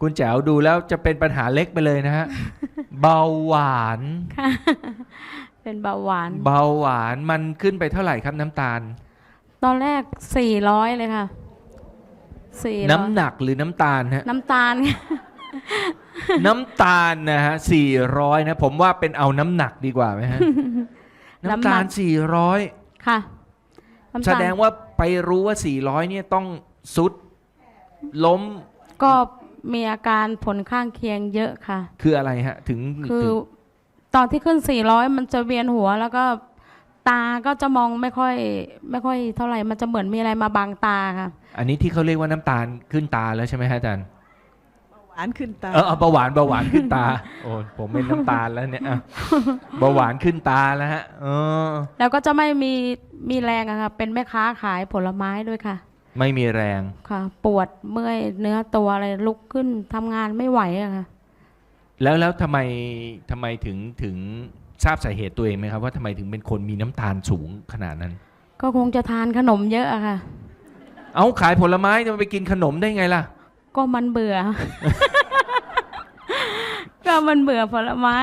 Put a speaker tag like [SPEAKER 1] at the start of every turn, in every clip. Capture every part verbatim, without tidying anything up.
[SPEAKER 1] คุณแจ๋วดูแล้วจะเป็นปัญหาเล็กไปเลยนะฮะ เบาหวาน
[SPEAKER 2] ค่ะ เป็นเบาหวาน
[SPEAKER 1] เบาหวานมันขึ้นไปเท่าไหร่ครับน้ำตาล
[SPEAKER 2] ตอนแรกสี่ร้อยเลยค่ะสี่ร้อย
[SPEAKER 1] น้ำหนักหรือน้ำตาลฮะ
[SPEAKER 2] น้ำตาล
[SPEAKER 1] น้ำตาลนะฮะสี่ร้อยนะผมว่าเป็นเอาน้ำหนักดีกว่าไหมฮะ น้ำตาลสี่ร้อย
[SPEAKER 2] ค่ะน้ำ
[SPEAKER 1] แส
[SPEAKER 2] ตาล
[SPEAKER 1] ดงว่าไปรู้ว่าสี่ร้อยเนี่ยต้องสุดล้ม
[SPEAKER 2] ก็มีอาการผลข้างเคียงเยอะค่ะ
[SPEAKER 1] คืออะไรฮะ ถึง
[SPEAKER 2] คือ
[SPEAKER 1] ถึง
[SPEAKER 2] ตอนที่ขึ้นสี่ร้อยมันจะเวียนหัว แล้วก็ตาก็จะมองไม่ค่อย ไม่ค่อยเท่าไหร่มันจะเหมือนมีอะไรมาบังตาค่ะ
[SPEAKER 1] อันนี้ที่เขาเรียกว่าน้ำตาลขึ้นตาแล้วใช่ไหมฮะอาจารย์
[SPEAKER 3] หวานขึ้นตา
[SPEAKER 1] เออเอาเบาหวานเบาหวานขึ้นตา โอ้ผมเป็นน้ำตาลแล้วเนี่ยอ่ะเบาหวานขึ้นตาแล้วฮะเออ
[SPEAKER 2] แล้วก็จะไม่มีมีแรงอะค่ะ เป็นแม่ค้าขายผลไม้ด้วยค่ะ
[SPEAKER 1] ไม่มีแรง
[SPEAKER 2] ค่ะ ปวดเมื่อยเนื้อตัวอะไรลุกขึ้นทำงานไม่ไหวอะค่ะ
[SPEAKER 1] แล้วแล้วทำไมทำไมถึงถึงทราบสาเหตุตัวเองไหมครับว่าทำไมถึงเป็นคนมีน้ำตาลสูงขนาดนั้น
[SPEAKER 2] ก็คงจะทานขนมเยอะอะค่ะ
[SPEAKER 1] เอาขายผลไม้จะไปกินขนมได้ไงล่ะ
[SPEAKER 2] ก็มันเบื่อ ก็มันเบื่อผลไม้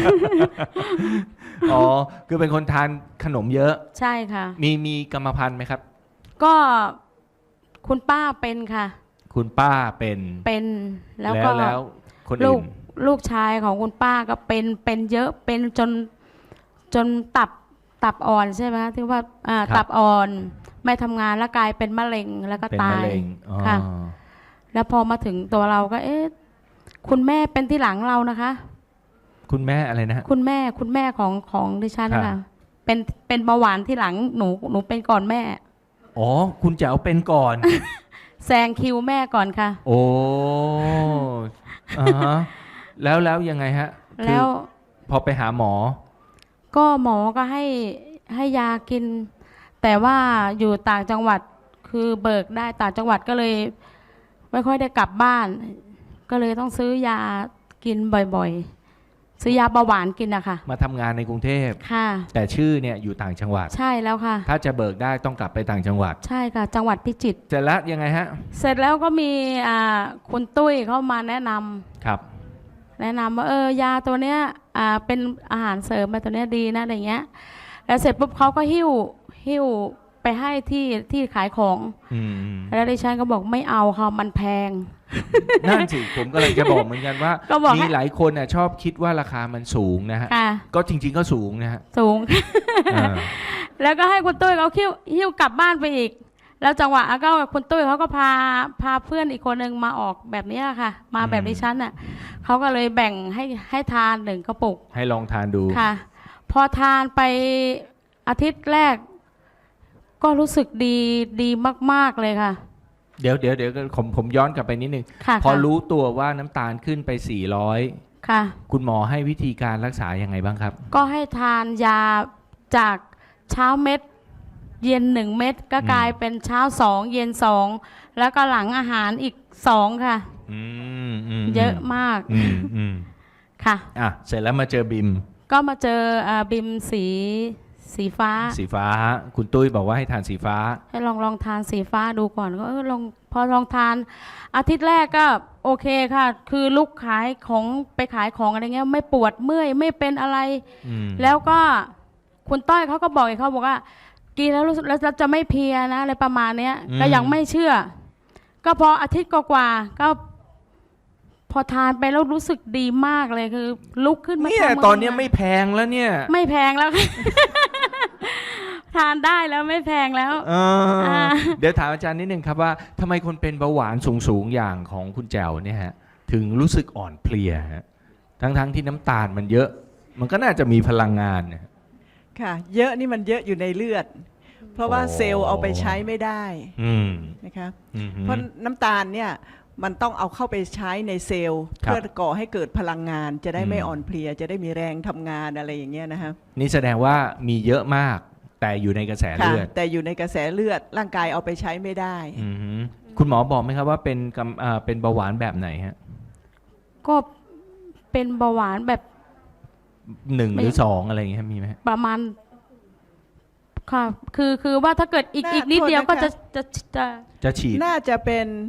[SPEAKER 1] อ๋อคือเป็นคนทานขนมเยอะ
[SPEAKER 2] ใช่ค่ะ
[SPEAKER 1] มีมีกรรมพันธุ์ไหมครับ
[SPEAKER 2] ก็คุณป้าเป็นค่ะ
[SPEAKER 1] คุณป้าเป็น
[SPEAKER 2] เป็นแล้วก็
[SPEAKER 1] แล้วคน
[SPEAKER 2] ลู
[SPEAKER 1] อื่
[SPEAKER 2] ก
[SPEAKER 1] น
[SPEAKER 2] ลูกชายของคุณป้าก็เป็นเป็นเยอะเป็นจนจนตับตับอ่อนใช่ไหมคะที่ว่าอ่าตับอ่อนไม่ทำงานแล้วกลายเป็นมะเร็งแล้วก็
[SPEAKER 1] เป็น
[SPEAKER 2] ตาม
[SPEAKER 1] ะ
[SPEAKER 2] ย
[SPEAKER 1] เร็งอ๋อ
[SPEAKER 2] ค่ะ แล้วพอมาถึงตัวเราก็เอ๊ะคุณแม่เป็นที่หลังเรานะคะ
[SPEAKER 1] คุณแม่อะไรนะฮะ
[SPEAKER 2] คุณแม่คุณแม่ของของดิฉันนะ
[SPEAKER 1] ครั
[SPEAKER 2] คะ
[SPEAKER 1] บ
[SPEAKER 2] เป็นเป็นเบาหวานที่หลังหนูหนูเป็นก่อนแม่
[SPEAKER 1] อ๋อคุณแจ๋วเป็นก่อน
[SPEAKER 2] แซงคิวแม่ก่อนค่ะ
[SPEAKER 1] โอ้อ่าฮะแล้วแล้วยังไงฮะคือ
[SPEAKER 2] แล้ว
[SPEAKER 1] พอไปหาหมอ
[SPEAKER 2] ก็หมอก็ให้ให้ยากิน แต่ว่าอยู่ต่างจังหวัดคือเบิกได้ต่างจังหวัดก็เลย ไม่ค่อยได้กลับบ้าน ก็เลยต้องซื้อยากินบ่อยๆ ซื้อยาเบาหวานกินนะคะ
[SPEAKER 1] มาทำงานในกรุงเทพ
[SPEAKER 2] ค่ะ
[SPEAKER 1] แต่ชื่อเนี่ยอยู่ต่างจังหวัด
[SPEAKER 2] ใช่แล้วค่ะ
[SPEAKER 1] ถ้าจะเบิกได้ต้องกลับไปต่างจังหวัด
[SPEAKER 2] ใช่ค่ะ จังหวัดพิจิตร
[SPEAKER 1] เสร็จแล้วยังไงฮะ
[SPEAKER 2] เสร็จแล้วก็มีอ่าคุณตุ้ยเข้ามาแนะนำ
[SPEAKER 1] ครับ
[SPEAKER 2] แนะนำว่าเออยาตัวเนี้ยอ่าเป็นอาหารเสริมมาตัวเนี้ยดีนะอะไรเงี้ยแล้วเสร็จปุ๊บเขาก็หิ้วหิ้วไปให้ที่ที่ขายของ
[SPEAKER 1] อืม
[SPEAKER 2] แล้วดิฉันก็บอกไม่เอาค่ะมันแพง
[SPEAKER 1] นั่นสิผมก็เลยจะบอกเหมือนกันว่า
[SPEAKER 2] ก็บอกให้
[SPEAKER 1] มีหลายคนน่ะชอบคิดว่าราคามันสูงนะฮะ
[SPEAKER 2] ค่ะ
[SPEAKER 1] ก็จริง ๆ ก็สูงนะฮะ
[SPEAKER 2] สูง
[SPEAKER 1] อ่า
[SPEAKER 2] แล้วก็ให้คุณตุ้ยเขาหิ้วหิ้วกลับบ้านไปอีก แล้วจังหวะก็คุณตุ้ยเขาก็พาพาเพื่อนอีกคนหนึ่งมาออกแบบเนี้ยค่ะ มาแบบดิฉันน่ะเขาก็เลยแบ่งให้ให้ทานหนึ่งกระปุก
[SPEAKER 1] ให้ลองทานดู
[SPEAKER 2] ค่ะ พอทานไปอาทิตย์แรก ก็รู้สึกดีดีมาก ๆเลยค่ะ
[SPEAKER 1] เดี๋ยวเดี๋ยวเดี๋ยวผมผมย้อนกลับไปนิดนึง
[SPEAKER 2] ค่ะ
[SPEAKER 1] พอ
[SPEAKER 2] ค่ะ
[SPEAKER 1] รู้ตัวว่าน้ำตาลขึ้นไปสี่ร้อย
[SPEAKER 2] ค่ะ
[SPEAKER 1] คุณหมอให้วิธีการรักษายังไงบ้างครับ
[SPEAKER 2] ก็ให้ทานยาจากเช้าเม็ด เย็นหนึ่งเม็ดก็
[SPEAKER 1] อืม
[SPEAKER 2] กลายเป็นเช้าสองเย็นสองแล้วก็หลังอาหารอีกสองค่ะ
[SPEAKER 1] อืมอืม
[SPEAKER 2] เยอะมาก
[SPEAKER 1] อืมอืม
[SPEAKER 2] ค่ะ
[SPEAKER 1] อ่ะเสร็จแล้วมาเจอบิม
[SPEAKER 2] ก็มาเจออาบิมสีสีฟ้า
[SPEAKER 1] สีฟ้า คุณตุ้ยบอกว่าให้ทานสีฟ้า
[SPEAKER 2] ให้ลองลองทานสีฟ้าดูก่อนก็เออลองพอลองทาน อาทิตย์แรกก็โอเคค่ะ คือลุกขายของไปขายของอะไรเงี้ยไม่ปวดเมื่อยไม่เป็นอะไร
[SPEAKER 1] อืม
[SPEAKER 2] แล้วก็คุณต้อยเขาก็บอกอีกเขาบอกว่า กินแล้วรู้สึกแล้วจะไม่เพลียนะอะไรประมาณเนี้ย ก็ยังไม่เชื่อ ก็พออาทิตย์กว่าๆก็ พอทานไปแล้วรู้สึกดีมากเลยคือ ลุกขึ้นมา
[SPEAKER 1] เนี่ย
[SPEAKER 2] ทำงา
[SPEAKER 1] ตอนเนี้ยไม่แพงแล้วเนี่ย
[SPEAKER 2] ไม่แพงแล้ว ทานได้แล้วไม่แพงแล้ว
[SPEAKER 1] เอออา เดี๋ยวถามอาจารย์นิดนึงครับว่าทำไมคนเป็นเบาหวานสูงๆอย่างของคุณแจ๋วเนี่ยฮะถึงรู้สึกอ่อนเพลียฮะทั้งๆที่น้ำตาลมันเยอะ มันก็น่าจะมีพลังงานเนี่ย
[SPEAKER 3] ค่ะ เยอะนี่มันเยอะอยู่ในเลือด เพราะว่า
[SPEAKER 1] โอ้
[SPEAKER 3] เซลล์เอาไปใช้ไม่ได้
[SPEAKER 1] อืม
[SPEAKER 3] นะคะ
[SPEAKER 1] อืม
[SPEAKER 3] เพราะน้ำตาลเนี่ยมันต้องเอาเข้าไปใช้ในเซลล์
[SPEAKER 1] ครับ
[SPEAKER 3] เพื่อก่อให้เกิดพลังงาน จะได้ไม่
[SPEAKER 1] อืม
[SPEAKER 3] อ่อนเพลีย จะได้มีแรงทำงานอะไรอย่างเงี้ยนะคะ
[SPEAKER 1] นี่แสดงว่ามีเยอะมาก แต่อยู่ในกระแส
[SPEAKER 3] ค่ะ
[SPEAKER 1] เลือด
[SPEAKER 3] แต่อยู่ในกระแสเลือดร่างกายเอาไปใช้ไม่ได้
[SPEAKER 1] อือฮึคุณหมอบอกไหมครับว่าเป็นกำอ่าเป็นเบาหวานแบบไหนฮะ
[SPEAKER 2] ก็เป็นเบาหวานแบบ
[SPEAKER 1] หนึ่ง
[SPEAKER 2] ไม่
[SPEAKER 1] หรือสองอะไรอย่างเงี้ยมีไหมฮะ
[SPEAKER 2] ประมาณค่ะ คือคือว่าถ้าเกิดอีก
[SPEAKER 3] น่า
[SPEAKER 2] อีกนิดเดียว
[SPEAKER 3] โทษนะคะ
[SPEAKER 2] ก็จะจะจะ
[SPEAKER 1] จะฉีด
[SPEAKER 3] น่าจะเป็น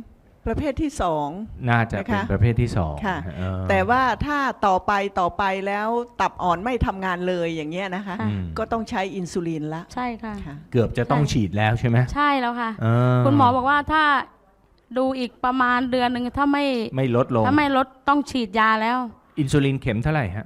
[SPEAKER 3] ประเภทที่สอง
[SPEAKER 1] น่าจะเป็น
[SPEAKER 3] นะคะ
[SPEAKER 1] ประเภทที่สอง
[SPEAKER 3] ค่ะ
[SPEAKER 1] เออ
[SPEAKER 3] แต่ว่าถ้าต่อไปต่อไปแล้วตับอ่อนไม่ทำงานเลยอย่างเงี้ยนะคะ
[SPEAKER 1] อืม
[SPEAKER 3] ก็ต้องใช้อินซูลินละ
[SPEAKER 2] ใช่ค่ะ
[SPEAKER 3] ค่ะ
[SPEAKER 1] เกือบจะต้องฉีดแล้วใช่ไหม
[SPEAKER 2] ใช่แล้วค่ะ
[SPEAKER 1] เออ
[SPEAKER 2] คุณหมอบอกว่าถ้าดูอีกประมาณเดือนหนึ่งถ้าไม่
[SPEAKER 1] ไม่ลดลง
[SPEAKER 2] ถ้าไม่ลดต้องฉีดยาแล้ว
[SPEAKER 1] อินซูลินเข็มเท่าไหร่ฮะ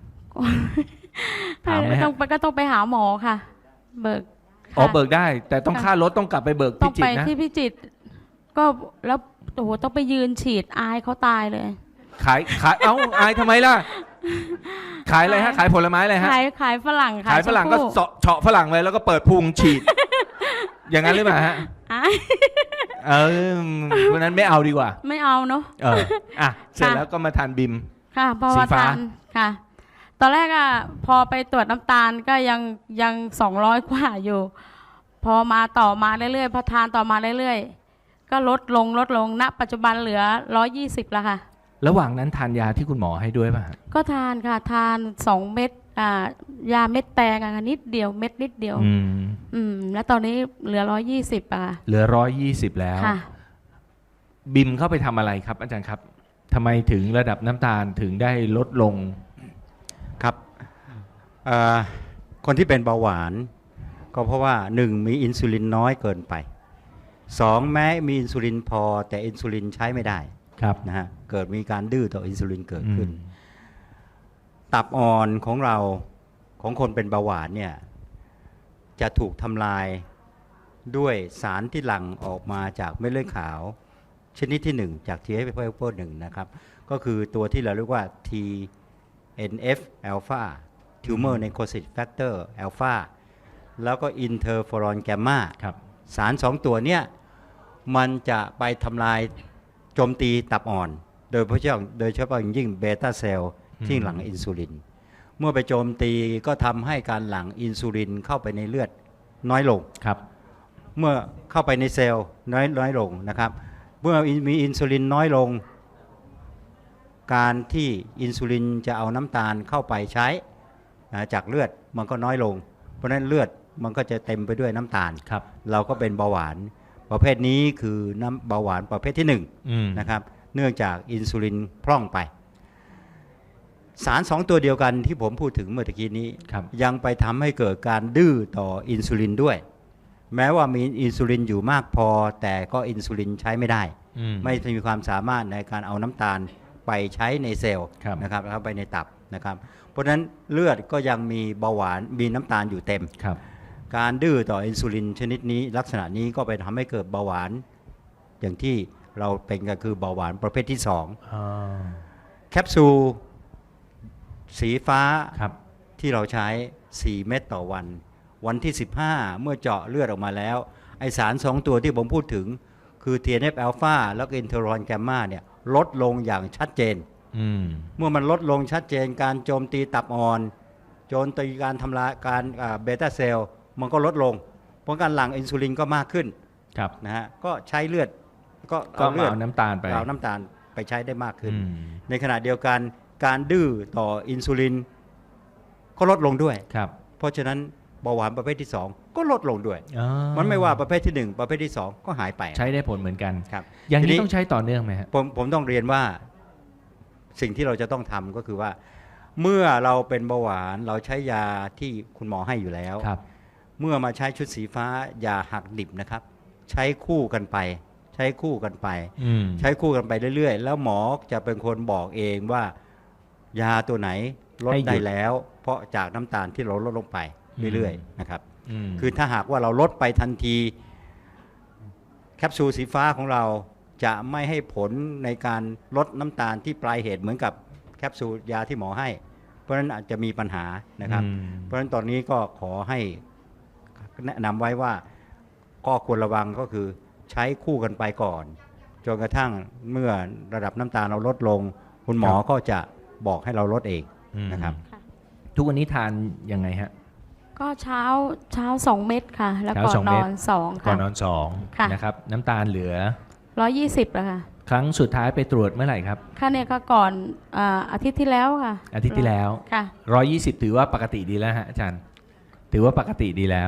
[SPEAKER 1] ถามไหมฮะ
[SPEAKER 2] ต้องไปก็ต้องไปหาหมอค่ะ เบิก
[SPEAKER 1] อ๋อ
[SPEAKER 2] ค่ะ
[SPEAKER 1] เบิกได้ แต่ต้อง
[SPEAKER 2] ค่ะ
[SPEAKER 1] ค่ารถต้องกลับไปเบิก
[SPEAKER 2] ต้
[SPEAKER 1] พิ
[SPEAKER 2] อง
[SPEAKER 1] จิ
[SPEAKER 2] ไป
[SPEAKER 1] ตรนะ
[SPEAKER 2] ที่พิจิตรก็แล้วโอ้โหต้องไปยืนฉีดอายเขาตายเลย
[SPEAKER 1] ขายขายเอ้าอายทำไมล่ะ ขายอะไรฮะ ขายผลไม้อะไรฮะ
[SPEAKER 2] ขายขายฝรั่ง
[SPEAKER 1] ขายฝรั่งก็
[SPEAKER 2] ชมพู่
[SPEAKER 1] เสาะเฉาะฝรั่งเลยแล้วก็เปิดพุงฉีด อย่างนั้นหรือเปล่าฮะ
[SPEAKER 2] อาย
[SPEAKER 1] เออวันนั้นไม่เอาดีกว่า
[SPEAKER 2] ไม่เอาเนาะ
[SPEAKER 1] เอออ่ะเสร็จ
[SPEAKER 2] ค่ะ
[SPEAKER 1] แล้วก็มาทานบิม
[SPEAKER 2] ค่ะเพราะ
[SPEAKER 1] สี
[SPEAKER 2] ว่า
[SPEAKER 1] ฟ้า
[SPEAKER 2] ทานค่ะ ตอนแรกอะพอไปตรวจน้ำตาลก็ยังยังสองร้อยกว่าอยู่ พอมาต่อมาเรื่อยๆพอทานต่อมาเรื่อยๆก็ลดลงลดลงณปัจจุบันเหลือร้อยยี่สิบแล้วค่ะ
[SPEAKER 1] ระหว่างนั้นทานยาที่คุณหมอให้ด้วยป่ะฮะ
[SPEAKER 2] ก็ทานค่ะทานสองเม็ดอ่ายาเม็ดแตงอะค่ะนิดเดียวเม็ดนิดเดียว
[SPEAKER 1] อืม
[SPEAKER 2] อืมแล้วตอนนี้เหลือร้อยยี่สิบอะค่ะ
[SPEAKER 1] เหลือร้อยยี่สิบแล้ว
[SPEAKER 2] ค่ะ
[SPEAKER 1] บิมเข้าไปทำอะไรครับ อาจารย์ครับทำไมถึงระดับน้ำตาลถึงได้ลดลง
[SPEAKER 4] ครับเอ่อคนที่เป็นเบาหวาน ก็เพราะว่าหนึ่งมีอินซูลินน้อยเกินไปสองแม้มีอินซูลินพอแต่อินซูลินใช้ไม่ได้
[SPEAKER 1] ครับ
[SPEAKER 4] นะฮะเกิดมีการดื้อต่ออินซูลินเกิดขึ้น
[SPEAKER 1] อืม
[SPEAKER 4] ตับอ่อนของเราของคนเป็นเบาหวานเนี่ยจะถูกทำลายด้วยสารที่หลั่งออกมาจากเม็ดเลือดขาว ชนิดที่หนึ่งจาก ที เอฟ หนึ่งนะครับก็คือตัวที่เราเรียกว่า ที เอ็น เอฟ alpha tumor necrosis factor alpha แล้วก็อินเทอร์ฟอรอนแกมมา
[SPEAKER 1] ครับ
[SPEAKER 4] สารสองตัวเนี้ยมันจะไปทำลายโจมตีตับอ่อน โดยเฉพาะโดยเฉพาะอย่างยิ่งเบต้าเซลล์ที่หลั่งอินซูลิน เมื่อไปโจมตีก็ทำให้การหลั่งอินซูลินเข้าไปในเลือดน้อยลง
[SPEAKER 1] ครับ
[SPEAKER 4] เมื่อเข้าไปในเซลล์น้อยน้อยลงนะครับ เมื่อมีอินซูลินน้อยลง การที่อินซูลินจะเอาน้ำตาลเข้าไปใช้นะจากเลือดมันก็น้อยลง เพราะฉะนั้นเลือดมันก็จะเต็มไปด้วยน้ำตาล
[SPEAKER 1] ครับ
[SPEAKER 4] เราก็เป็นเบาหวานประเภทนี้คือน้ำเบาหวานประเภทที่หนึ่ง
[SPEAKER 1] อืม
[SPEAKER 4] นะครับเนื่องจากอินซูลินพร่องไป สารสองตัวเดียวกันที่ผมพูดถึงเมื่อตะกี้นี้
[SPEAKER 1] ครับ
[SPEAKER 4] ยังไปทำให้เกิดการดื้อต่ออินซูลินด้วย แม้ว่ามีอินซูลินอยู่มากพอ แต่ก็อินซูลินใช้ไม่ได้
[SPEAKER 1] อืม
[SPEAKER 4] ไม่มีความสามารถในการเอาน้ำตาลไปใช้ในเซลล์
[SPEAKER 1] ครับ
[SPEAKER 4] นะครับแล้วไปในตับนะครับ เพราะฉะนั้นเลือดก็ยังมีเบาหวานมีน้ำตาลอยู่เต็ม
[SPEAKER 1] ครับ
[SPEAKER 4] การดื้อต่ออินซูลินชนิดนี้ลักษณะนี้ก็ไปทำให้เกิดเบาหวาน อย่างที่เราเป็นก็คือเบาหวานประเภทที่สอง
[SPEAKER 1] อ่า
[SPEAKER 4] แคปซูลสีฟ้า
[SPEAKER 1] ครับ
[SPEAKER 4] ที่เราใช้ สี่เม็ดต่อวัน วันที่ สิบห้า เมื่อเจาะเลือดออกมาแล้ว ไอสารสองตัวที่ผมพูดถึง คือ ที เอ็น เอฟ alpha แล้วก็อินเทอร์ฟอรอนแกมมาเนี่ยลดลงอย่างชัดเจน
[SPEAKER 1] อืม
[SPEAKER 4] เมื่อมันลดลงชัดเจน การโจมตีตับอ่อน โจมตีการทำลายการเบต้าเซลล์มันก็ลดลง เพราะการหลั่งอินซูลินก็มากขึ้น
[SPEAKER 1] ครับ
[SPEAKER 4] นะฮะก็ใช้เลือดก็
[SPEAKER 1] ก็
[SPEAKER 4] เอาเลื
[SPEAKER 1] มา
[SPEAKER 4] อด
[SPEAKER 1] เอาน้ำตาลไป
[SPEAKER 4] เอาน้ำตาลไปใช้ได้มากขึ้น
[SPEAKER 1] อืม
[SPEAKER 4] ในขณะเดียวกันการดื้อต่ออินซูลินก็ลดลงด้วย
[SPEAKER 1] ครับ
[SPEAKER 4] เพราะฉะนั้นเบาหวานประเภทที่สองก็ลดลงด้วย
[SPEAKER 1] อ๋อ
[SPEAKER 4] มันไม่ว่าประเภทที่หนึ่งประเภทที่สองก็หายไป
[SPEAKER 1] ใช้ได้ผลเหมือนกัน
[SPEAKER 4] ครับ
[SPEAKER 1] อย่าง
[SPEAKER 4] ที
[SPEAKER 1] นี้
[SPEAKER 4] นี้
[SPEAKER 1] ต้องใช้ต่อเนื่องไหมฮะ
[SPEAKER 4] ผมผมต้องเรียนว่าสิ่งที่เราจะต้องทำก็คือว่า เมื่อเราเป็นเบาหวานเราใช้ยาที่คุณหมอให้อยู่แล้ว
[SPEAKER 1] ครับ
[SPEAKER 4] เมื่อมาใช้ชุดสีฟ้าอย่าหักดิบนะครับ ใช้คู่กันไป ใช้คู่กันไป
[SPEAKER 1] อืม
[SPEAKER 4] ใช้คู่กันไปเรื่อยๆ แล้วหมอจะเป็นคนบอกเองว่ายาตัวไหนลด
[SPEAKER 1] ให้หยุด
[SPEAKER 4] ได้แล้ว เพราะจากน้ำตาลที่เราลดลงไปเรื่อยๆนะครับ
[SPEAKER 1] ม
[SPEAKER 4] คือถ้าหากว่าเราลดไปทันทีแคปซูลสีฟ้าของเราจะไม่ให้ผลในการลดน้ำตาลที่ปลายเหตุเหมือนกับแคปซูลยาที่หมอให้ เพราะฉะนั้นอาจจะมีปัญหานะครับ
[SPEAKER 1] อืม
[SPEAKER 4] เพราะฉะนั้นตอนนี้ก็ขอให้แนะนำไว้ว่าก็ควรระวังก็คือใช้คู่กันไปก่อนจนกระทั่งเมื่อระดับน้ำตาลเราลดลง คุณหมอก็จะบอกให้เราลดเอง
[SPEAKER 1] อืม
[SPEAKER 4] นะครับ
[SPEAKER 1] ทุกวันนี้ทานยังไงฮะ
[SPEAKER 2] ก็เช้าเช้าสองเม็ดค่ะ แล้ว
[SPEAKER 1] เช้า
[SPEAKER 2] ก่อน
[SPEAKER 1] สอง
[SPEAKER 2] น
[SPEAKER 1] เม็ด
[SPEAKER 2] อนสอง
[SPEAKER 1] ก่อ
[SPEAKER 2] ค่ะ
[SPEAKER 1] นนอนสอง
[SPEAKER 2] ค่ะ
[SPEAKER 1] นะครับ น้ำตาลเหลือ
[SPEAKER 2] ร้อยยี่สิบแล้วค่ะ
[SPEAKER 1] ครั้งสุดท้ายไปตรวจเมื่อไหร่ครับ
[SPEAKER 2] ค่ะเนี่ยก็ก่อนอ่าอาทิตย์ที่แล้วค่ะ
[SPEAKER 1] อาทิตย์ที่แล้ว
[SPEAKER 2] ค่ะ
[SPEAKER 1] ร้อยยี่สิบถือว่าปกติดีแล้วฮะอาจารย์ ถือว่าปกติดีแล้ว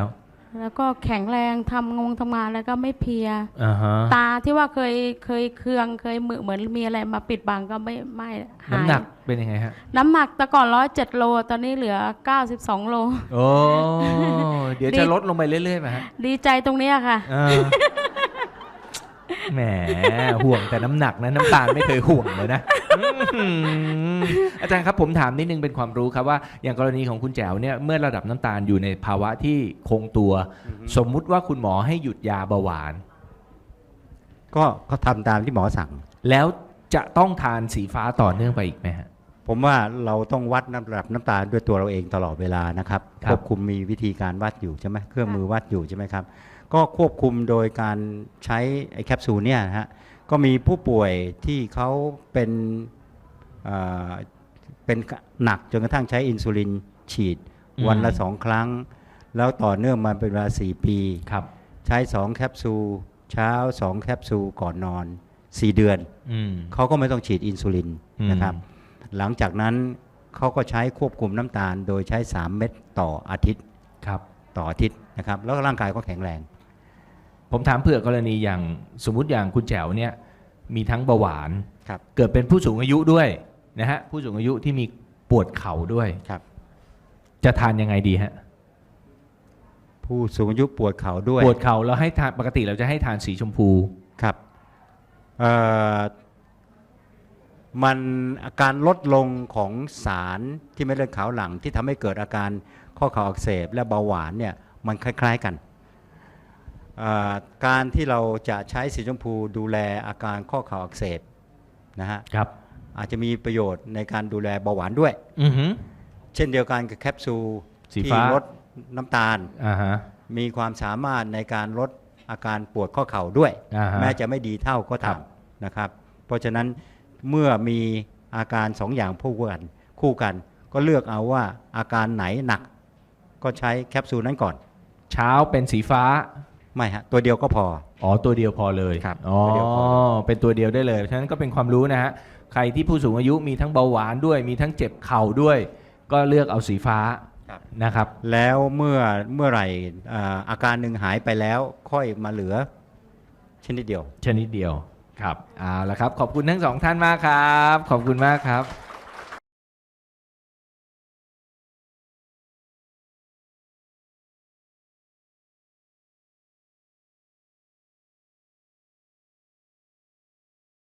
[SPEAKER 2] แล้วก็แข็งแรงทำงงทำงานแล้วก็ไม่เพลีย
[SPEAKER 1] อ่าฮะ
[SPEAKER 2] ตาที่ว่าเคยเคยเคืองเคยมือเหมือนมีอะไรมาปิดบังก็ไม่ไม่หาย
[SPEAKER 1] น้ำหนักเป็นยังไงฮะ
[SPEAKER 2] น้ำหนักแต่ก่อนร้อยเจ็ดโลตอนนี้เหลือเก้าสิบสองโล
[SPEAKER 1] โอ้เดี๋ยว
[SPEAKER 2] ดี
[SPEAKER 1] จะลดลงไปเรื่อยๆไหมฮะ
[SPEAKER 2] ดีใจตรงเนี้ยค่ะ
[SPEAKER 1] เออแหมห่วงแต่น้ำหนักนะน้ำตาลไม่เคยห่วงเลยนะอืมอาจารย์ครับผมถามนิดนึงเป็นความรู้ครับว่าอย่างกรณีของคุณแจ๋วเนี่ยเมื่อระดับน้ำตาลอยู่ในภาวะที่คงตัว สมมุติว่าคุณหมอให้หยุดยาเบาหวาน
[SPEAKER 4] ก็ก็ทำตามที่หมอสั่ง
[SPEAKER 1] แล้วจะต้องทานสีฟ้าต่อเนื่องไปอีกไหมฮะ
[SPEAKER 4] ผมว่าเราต้องวัดน้ำระดับน้ำตาลด้วยตัวเราเองตลอดเวลานะครับ
[SPEAKER 1] ครับ
[SPEAKER 4] ควบคุมมีวิธีการวัดอยู่ใช่ไหมเครื่องมือวัดอยู่ใช่ไหมครับ ก็ควบคุมโดยการใช้ไอ้แคปซูลเนี่ยนะฮะก็มีผู้ป่วยที่เขาเป็นเอ่อเป็นหนักจนกระทั่งใช้อินซูลินฉีด
[SPEAKER 1] อืม
[SPEAKER 4] วันละสองครั้ง แล้วต่อเนื่องมาเป็นเวลาสี่ปี
[SPEAKER 1] ครับ
[SPEAKER 4] ใช้สองแคปซูลเช้าสองแคปซูลก่อนนอนสี่เดือน
[SPEAKER 1] อืม
[SPEAKER 4] เขาก็ไม่ต้องฉีดอินซูลิน
[SPEAKER 1] อืม
[SPEAKER 4] นะครับ หลังจากนั้นเขาก็ใช้ควบคุมน้ำตาลโดยใช้ สาม เม็ดต่ออาทิตย์
[SPEAKER 1] ครับ
[SPEAKER 4] ต่ออาทิตย์นะครับ แล้วก็ร่างกายก็แข็งแรง
[SPEAKER 1] ผมถามเผื่อกรณีอย่างสมมุติอย่างคุณแจ๋วเนี่ยมีทั้งเบาหวาน
[SPEAKER 4] ครับ
[SPEAKER 1] เกิดเป็นผู้สูงอายุด้วยนะฮะผู้สูงอายุที่มีปวดเข่าด้วย
[SPEAKER 4] ครับ
[SPEAKER 1] จะทานยังไงดีฮะ
[SPEAKER 4] ผู้สูงอายุปวดเข่าด้วย
[SPEAKER 1] ปวดเข่าเราให้ทานปกติเราจะให้ทานสีชมพู
[SPEAKER 4] ครับเอ่อมันอาการลดลงของสารที่เม็ดเลือดขาวหลังที่ทำให้เกิดอาการข้อเข่าอักเสบและเบาหวานเนี่ยมันคล้ายๆกันเอ่อการที่เราจะใช้สีชมพูดูแลอาการข้อเข่าอักเสบนะฮะ
[SPEAKER 1] ครับ
[SPEAKER 4] อาจจะมีประโยชน์ในการดูแลเบาหวานด้วย
[SPEAKER 1] อือฮึ
[SPEAKER 4] เช่นเดียวกันกับแคปซูล
[SPEAKER 1] สี
[SPEAKER 4] ที่
[SPEAKER 1] ฟ้า
[SPEAKER 4] ลดน้ำตาล
[SPEAKER 1] อ่าฮะ
[SPEAKER 4] มีความสามารถในการลดอาการปวดข้อเข่าด้วย
[SPEAKER 1] อ่าฮะ
[SPEAKER 4] แม้จะไม่ดีเท่าก็
[SPEAKER 1] ครั
[SPEAKER 4] ตาม
[SPEAKER 1] บ
[SPEAKER 4] นะครับ เพราะฉะนั้นเมื่อมีอาการสองอย่างคู่กันคู่กัน ก็เลือกเอาว่าอาการไหนหนัก ก็ใช้แคปซูลนั้นก่อน
[SPEAKER 1] เช้าเป็นสีฟ้า
[SPEAKER 4] ไม่ฮะตัวเดียวก็พอ
[SPEAKER 1] อ๋อตัวเดียวพอเลย
[SPEAKER 4] ครับ
[SPEAKER 1] อ๋อ
[SPEAKER 4] ตัวเดียวพอ
[SPEAKER 1] เป็นตัวเดียวได้เลยฉะนั้นก็เป็นความรู้นะฮะใครที่ผู้สูงอายุมีทั้งเบาหวานด้วย มีทั้งเจ็บเข่าด้วย ก็เลือกเอาสีฟ้านะครับ
[SPEAKER 4] แล้วเมื่อเมื่อไหร่อ่าอาการหนึ่งหายไปแล้วค่อยมาเหลือชนิดเดียว
[SPEAKER 1] ชนิดเดียวครับเอาละครับ ขอบคุณทั้งสองท่านมากครับ ขอบคุณมากครับ